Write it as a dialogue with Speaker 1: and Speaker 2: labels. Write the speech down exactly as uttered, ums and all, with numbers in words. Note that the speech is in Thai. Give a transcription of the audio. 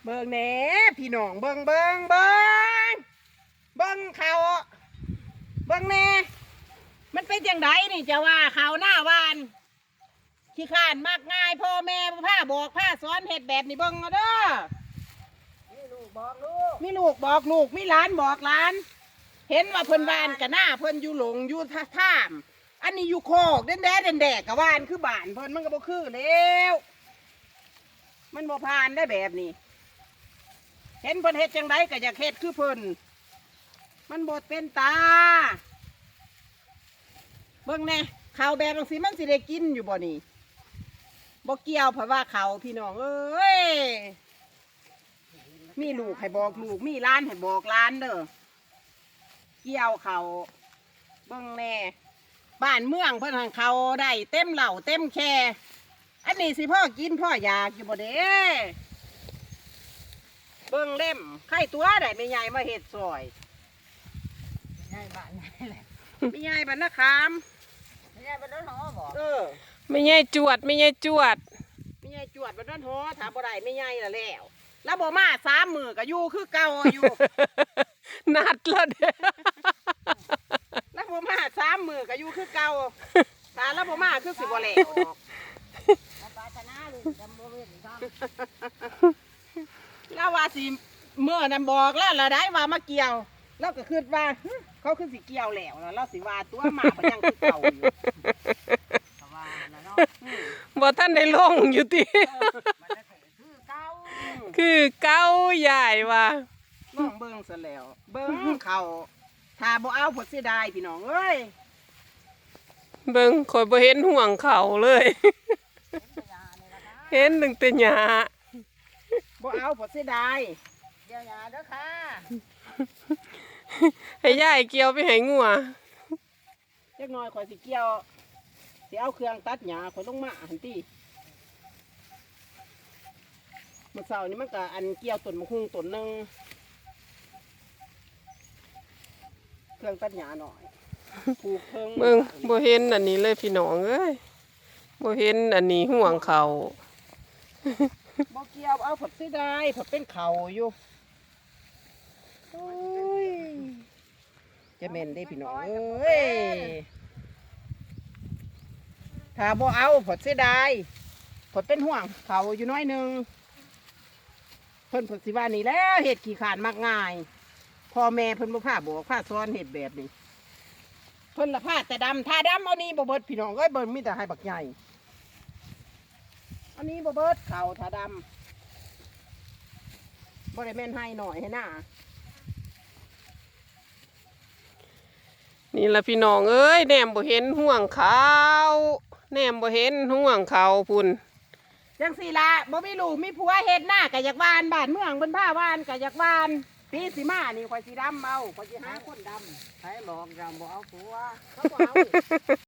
Speaker 1: เบิ่งแหน่พี่น้องเบิ่งเบิ่งเบิ่งเบิ่งเขาเบิ่งแหน่มันเป็นจังไดนี่จะว่าเขาหน้าวานขี้ข้านมากง่ายพ่อแม่ผ้าบอกผ้าสอนเห็ดแบบนี้เบิ่งเอาเด้อมีลูกบอกลูกมีลูกบอกลูกมีหลานบอกหลานเห็นว่าเพิ่นวานกับหน้าเพิ่นอยู่หลงอยู่ท่ามอันนี้อยู่โคกเด่นแดดเด่นแดดกับวานคือบ้านเพิ่นมันก็บ่คือแล้วมันบ่ผ่านได้แบบนี้เห็นเพิ่นเฮ็ดจังไดก็อยากเฮ็ดคือเพิ่นมันบ่เป็นตาเบิ่งแน่ข้าวแบบจังซี่มันสิได้กินอยู่บ่นี่บ่เกี่ยวเพราะว่าเขาพี่น้องเอ้ยมีลูกให้บอกลูกมีหลานให้บอกหลานเด้อเกี่ยวเขาเบิ่งแน่บ้านเมืองเพิ่นหังเขาได้เต็มเหล่าเต็มแค่อันนี้สิพ่อกินพ่ออยากอยู่บ่เด้เบิ่งเล่มไข่ตัวได้ไม่ใหญ่มาเห็ดซอยไม่ใหญ่บ้านไหนแหละไม่ใหญ่บ้านนะคามไม่ใหญ่บ้านน้นหอบอกเออ
Speaker 2: ไม่ใหญ่จวดไม่ใหญ่จวด
Speaker 1: ไม่ใหญ่จวดบ้านน้นหอถามบ่ได้ไม่ใหญ่ละแล้วแล้วบ่มาสามมือก็อยู่คือเก่าอยู่
Speaker 2: นัดแล้วเด้อ
Speaker 1: แล้วบ่มาสามมือก็อยู่คือเก่าตาแล้วบ่มาคือสิบ่แหลกแล้วว่าสิเมื่อนั้นบอกแล้วละได้ว่ามาเกี่ยวแล้วก็คิดว่าเขาคือสิเกี่ยวแล้วแล้วเราสิว่าตัวมาพยังคือเก่าอยู่
Speaker 2: บ่ท่านได้ลงอยู่ติคือเก้าใหญ่ว่ะ
Speaker 1: น้องเบิ้งซะแล้วเบิ้งเขาถ้าบ่เอาผลเสียดายพี่น้องเอ้ย
Speaker 2: เบิ้งข่อยบ่เห็นห่วงเขาเลยเห็นตั้งแต่หญ้า
Speaker 1: บ่เอาผลเสียดายเกี่ยวหญ้าเด้อค่ะ
Speaker 2: ให้ยายเกี่ยวไปให้งัว
Speaker 1: จักหน่อยข่อยสิเกี่ยวสิเอาเครื่องตัดหญ้าข่อยลงมาหั่นติเมื่อเช้านี้มันก็อันเกี่ยวต้นมะฮุ่งต้นนึงเครื่องตัดหญ้าหน่อยผูกเพิ่ง
Speaker 2: เบิ่งบ่เห็นอันนี้เลยพี่น้องเอ้ยบ่เห็นอันนี้ห่วงเขา
Speaker 1: บ่เกี่ยวเอาผลเสียดายผลเป็นเขาอยู่โอ้ยจะเม่นได้พี่น้องเอ้ยถ้าบ่เอาผลเสียดายผลเป็นห่วงเขาอยู่น้อยนึงเพิ่นผลสิว่านี่แล้วเห็ดขี้ขานมากง่ายพ่อแม่เพิ่นบ่พาบอกพาสอนเห็ดแบบนี้เพิ่นละพาแต่ดำถ้าดำเอานี้บ่เบิดพี่น้องเอ้ยเบิ่นมีแต่ให้บักใหญ่อันนี้บ่เบิดเขาถ้าดำบ่ได้แม่นให้หน่อยให้หน้า
Speaker 2: นี่ละพี่น้องเอ้ยแนมบ่เห็นห่วงเขาแนมบ่เห็นห่วงเขาพุ่น
Speaker 1: จังสี่ละบ่มีลูกมีผัวเฮ็ดหน้าก็อยากวานบ้านเมืองเพิ่นพาวานก็อยากวานปีสิมานี่ข่อยสิดำเอาข่อยสิหาคนดำใครบอกจะบ่เอาผัวเขาบ่เอา